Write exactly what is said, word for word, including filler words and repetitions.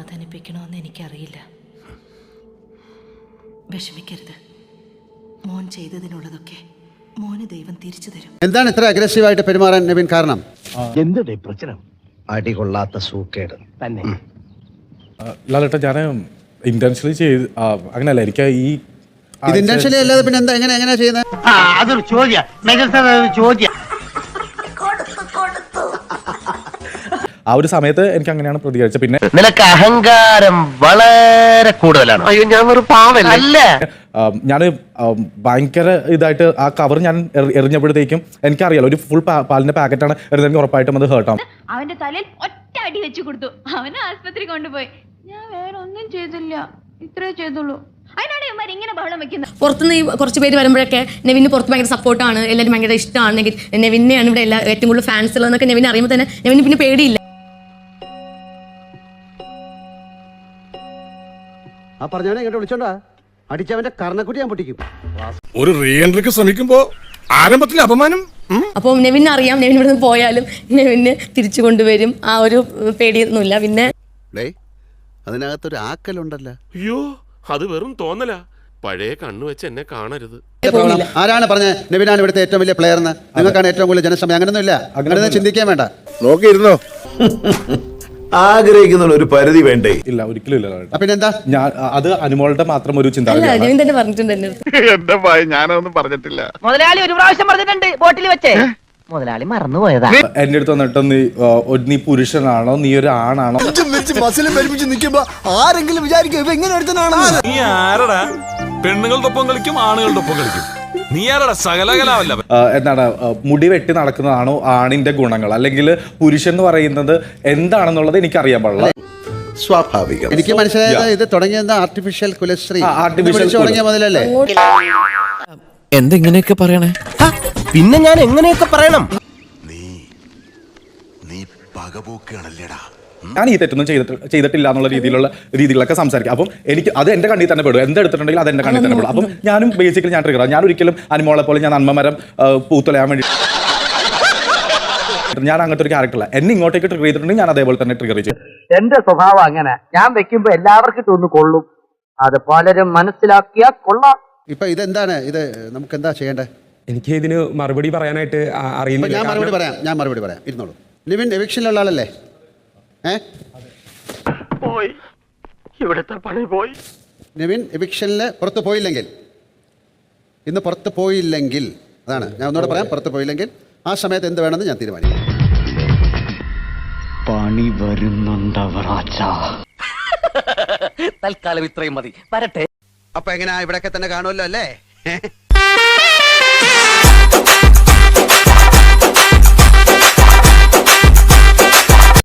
സമാധാനിപ്പിക്കണമെന്ന് എനിക്കറിയില്ല. വിഷമിക്കരുത്. മോൻ ചെയ്തതിനുള്ളതൊക്കെ മോന് ദൈവം തിരിച്ചു തരും. എന്താണ് ഇത്ര അഗ്രസീവായിട്ട് പെരുമാറാൻ നവീൻ കാരണം? എന്തുടേ പ്രശ്നം? അടികൊള്ളാത്ത സൂക്കേട് തന്നെ. ലാലേട്ടാ, ഞാൻ ഇന്റൻഷനലി ചെയ്ത് അങ്ങനെയല്ല. എനിക്ക് ഈ ഇത് ഇന്റൻഷനലി അല്ലാതെ പിന്നെ എന്താ എങ്ങനെ എങ്ങനെയാ ചെയ്യുന്നത്? അതൊരു ചോദ്യം. ചോദ്യം ആ ഒരു സമയത്ത് എനിക്ക് അങ്ങനെയാണ് പ്രതികരിച്ചത്. പിന്നെ നിനക്ക് അഹങ്കാരം വളരെ കൂടുതലാണ്. അയ്യോ, ഞാൻ ഒരു പാവല്ല. ഞാൻ ഭയങ്കര ഇതായിട്ട് ആ കവർ ഞാൻ എറിഞ്ഞപ്പോഴത്തേക്കും എനിക്കറിയാലോ ഒരു ഫുൾ പാലിന്റെ പാക്കറ്റാണ് എറിഞ്ഞെങ്കിൽ ഉറപ്പായിട്ടും അത് ഹേർട്ടാവും. അവന്റെ തലയിൽ ഒറ്റ അടി വെച്ചു കൊടുത്തു. അവനെ ആശുപത്രി കൊണ്ടുപോയി. ഞാൻ വേറെ ഒന്നും ചെയ്തില്ല, ഇത്രേ ചെയ്തുള്ളൂ. അതിനാണ് ഇവന്മാർ ഇങ്ങനെ ബഹളം വെക്കുന്നത്. പുറത്തുനിന്ന് ഈ കുറച്ച് പേര് വരുമ്പോഴൊക്കെ നെവിന് പുറത്ത് ഭയങ്കര സപ്പോർട്ടാണ്, എല്ലാവരും ഭയങ്കര ഇഷ്ടമാണ്, നെവിനെയാണ് ഇവിടെ എല്ലാ ഏറ്റവും കൂടുതൽ ഫാൻസ് ഉള്ളതെന്നൊക്കെ നെവിനെ അറിയുമ്പോൾ തന്നെ നെവിന് പിന്നെ പേടിയില്ല. ആ പറഞ്ഞവനെ ഇങ്ങോട്ട് വിളിച്ചോണ്ടാ അടിച്ചവന്റെ കർണക്കുട്ടി ഞാൻ പൊട്ടിക്കും. ഒരു റീ എൻട്രിക്ക് ശ്രമിക്കുമ്പോ ആരംഭത്തിൽ അപമാനം. അപ്പോൾ നെവിനെ അറിയാം, നെവിൻ ഇവിടെ നിന്ന് പോയാലും നെവിനെ തിരിച്ചു കൊണ്ടുവരും. ആ ഒരു പേടിയൊന്നുമില്ല. പിന്നെ അതിനകത്തൊരു ആക്കലുണ്ടല്ലോ. അയ്യോ, അത് വെറും തോന്നല. പഴയ കണ്ണു വെച്ച് എന്നെ കാണരുത്. ആരാണ് പറഞ്ഞത് നെവിനാണ് ഇവിടുത്തെ ഏറ്റവും വലിയ പ്ലെയർ എന്ന്? നിങ്ങൾക്കാണ് ഏറ്റവും കൂടുതൽ ജനസമയം. അങ്ങനെയൊന്നും ഇല്ല. അങ്ങനെ ചിന്തിക്കാൻ വേണ്ട. നോക്കിയിരുന്നോ? ആഗ്രഹിക്കുന്ന ഒരു പരിധി വേണ്ടേ? ഇല്ല, ഒരിക്കലും ഇല്ല. പിന്നെന്താ? ഞാൻ അത് അനുമോളുടെ മാത്രം ഒരു ചിന്ത. നെവിൻ തന്നെ പറഞ്ഞിട്ടുണ്ട് എന്നെ. എന്റെ ഭയ ഞാനൊന്നും പറഞ്ഞിട്ടില്ല. മുതലാളി ഒരു പ്രാവശ്യം പറഞ്ഞിട്ടുണ്ട് ബോട്ടിൽ വെച്ചേ. മുതലാളി മറന്നുപോയതാ. എന്റെ അടുത്ത് വന്നിട്ട് നീ നീ പുരുഷനാണോ, നീ ഒരു ആണാണോ? ആരെങ്കിലും വിചാരിക്കും എങ്ങനെ നീ ആരടാ? പെണ്ണുങ്ങളുടെ ഒപ്പം കളിക്കും, ആണുങ്ങളുടെ ഒപ്പം കളിക്കും. നീ ആരടാ? സകലകലാവല്ല. എന്താണ് മുടി വെട്ടി നടക്കുന്നതാണോ ആണിന്റെ ഗുണങ്ങൾ, അല്ലെങ്കിൽ പുരുഷൻ എന്ന് പറയുന്നത് എന്താണെന്നുള്ളത് എനിക്കറിയാൻ പാടില്ല. സ്വാഭാവികം. എനിക്ക് മനസ്സിലായത് ഇത് തുടങ്ങിയത് ആർട്ടിഫിഷ്യൽ കുലശ്രീ ആർട്ടിഫിഷ്യൽ തുടങ്ങിയ മുതലല്ലേ? എന്തെങ്ങനെയൊക്കെ പറയണേ? പിന്നെ ഞാൻ എങ്ങനെയൊക്കെ പറയണം? നീ നീ പകപോക്കാണല്ലേടാ. ഞാൻ ഈ തെറ്റൊന്നും ചെയ്തിട്ട് ചെയ്തിട്ടില്ല എന്നുള്ള രീതിയിലുള്ള രീതിയിലൊക്കെ സംസാരിക്കും. അപ്പം എനിക്ക് അത് എന്റെ കണ്ണിൽ തന്നെ പെടും. എന്തെടുത്തിട്ടുണ്ടെങ്കിൽ അത് എന്റെ കണ്ണിൽ തന്നെ പെടും. അപ്പം ഞാനും ബേസിക്കലി ഞാൻ ട്രിഗർ. ഞാൻ ഒരിക്കലും അനുമോളെ പോലെ ഞാൻ നന്മമരം പൂത്തുലയാൻ വേണ്ടി ഞാൻ അങ്ങനത്തെ ഒരു ക്യാരക്ടറല്ല. എന്നെ ഇങ്ങോട്ടേക്ക് ട്രിഗർ ചെയ്തിട്ടുണ്ടെങ്കിൽ ഞാൻ അതേപോലെ തന്നെ ട്രിഗർ ചെയ്യും. എന്റെ സ്വഭാവം അങ്ങനെ. ഞാൻ വെക്കുമ്പോ എല്ലാവർക്കും തോന്നു കൊള്ളും. അത് പലരും മനസ്സിലാക്കിയാ കൊള്ളാം. ഇപ്പൊ ഇതെന്താണ്? ഇത് നമുക്ക് എന്താ ചെയ്യേണ്ടത്? എനിക്ക് ഇതിന് മറുപടി പറയാനായിട്ട് അറിയുന്നില്ല. ഞാൻ മറുപടി പറയാം ഞാൻ മറുപടി പറയാം ഇരുന്നോളൂ. ലിവിൻ എവിക്ഷനിലുള്ള ആളല്ലേ? ഏ പോയി ഇവിടുത്തെ പണി പോയി. നിവിൻ എവിക്ഷനിൽ പുറത്ത് പോയില്ലെങ്കിൽ, ഇന്ന് പുറത്ത് പോയില്ലെങ്കിൽ, അതാണ് ഞാൻ ഒന്നുകൂടെ പറയാം, പുറത്ത് പോയില്ലെങ്കിൽ ആ സമയത്ത് എന്ത് വേണമെന്ന് ഞാൻ തീരുമാനിക്കും. പണി വരുന്നുണ്ടവറാച്ച. തൽക്കാലം ഇത്രയും മതി. വരട്ടെ. അപ്പൊ എങ്ങനെയാ? ഇവിടെയൊക്കെ തന്നെ കാണുമല്ലോ അല്ലേ?